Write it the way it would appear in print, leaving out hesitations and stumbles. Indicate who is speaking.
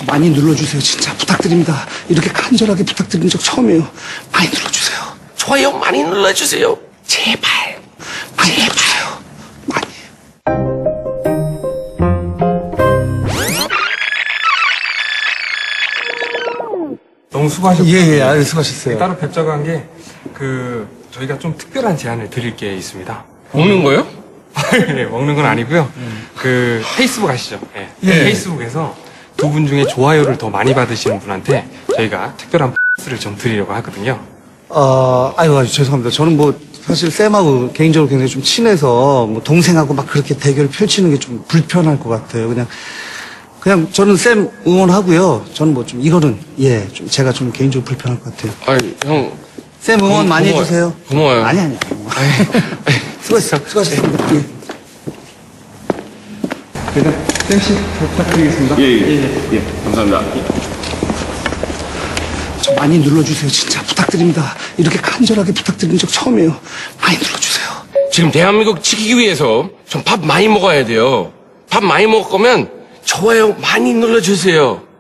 Speaker 1: 저 많이 눌러주세요. 진짜 부탁드립니다. 이렇게 간절하게 부탁드린 적 처음이에요. 많이 눌러주세요.
Speaker 2: 좋아요 많이 눌러주세요. 제발.
Speaker 1: 많이 눌러주세요. 많이.
Speaker 3: 너무 수고하셨고요.
Speaker 1: 예, 수고하셨어요.
Speaker 3: 따로 뵙자고 한 게 저희가 좀 특별한 제안을 드릴 게 있습니다.
Speaker 2: 먹는 거요?
Speaker 3: 네, 먹는 건 아니고요. 페이스북 아시죠? 네.
Speaker 1: 예.
Speaker 3: 페이스북에서 두 분 중에 좋아요를 더 많이 받으시는 분한테 저희가 특별한 X를 좀 드리려고 하거든요.
Speaker 1: 아유, 죄송합니다. 저는 뭐, 사실 쌤하고 개인적으로 굉장히 좀 친해서, 뭐, 동생하고 막 그렇게 대결을 펼치는 게 좀 불편할 것 같아요. 그냥 저는 쌤 응원하고요. 저는 뭐 좀, 이거는, 좀 제가 좀 개인적으로 불편할 것 같아요.
Speaker 2: 아니 형.
Speaker 1: 쌤 응원 많이
Speaker 2: 고마워요.
Speaker 1: 해주세요.
Speaker 2: 고마워요.
Speaker 1: 아니. 수고하셨습니다. 예. 일단, 쌤씨 부탁드리겠습니다.
Speaker 4: 예, 감사합니다.
Speaker 1: 저 많이 눌러주세요. 진짜 부탁드립니다. 이렇게 간절하게 부탁드린 적 처음이에요. 많이 눌러주세요.
Speaker 2: 지금 대한민국 지키기 위해서 좀 밥 많이 먹어야 돼요. 밥 많이 먹을 거면 좋아요 많이 눌러주세요.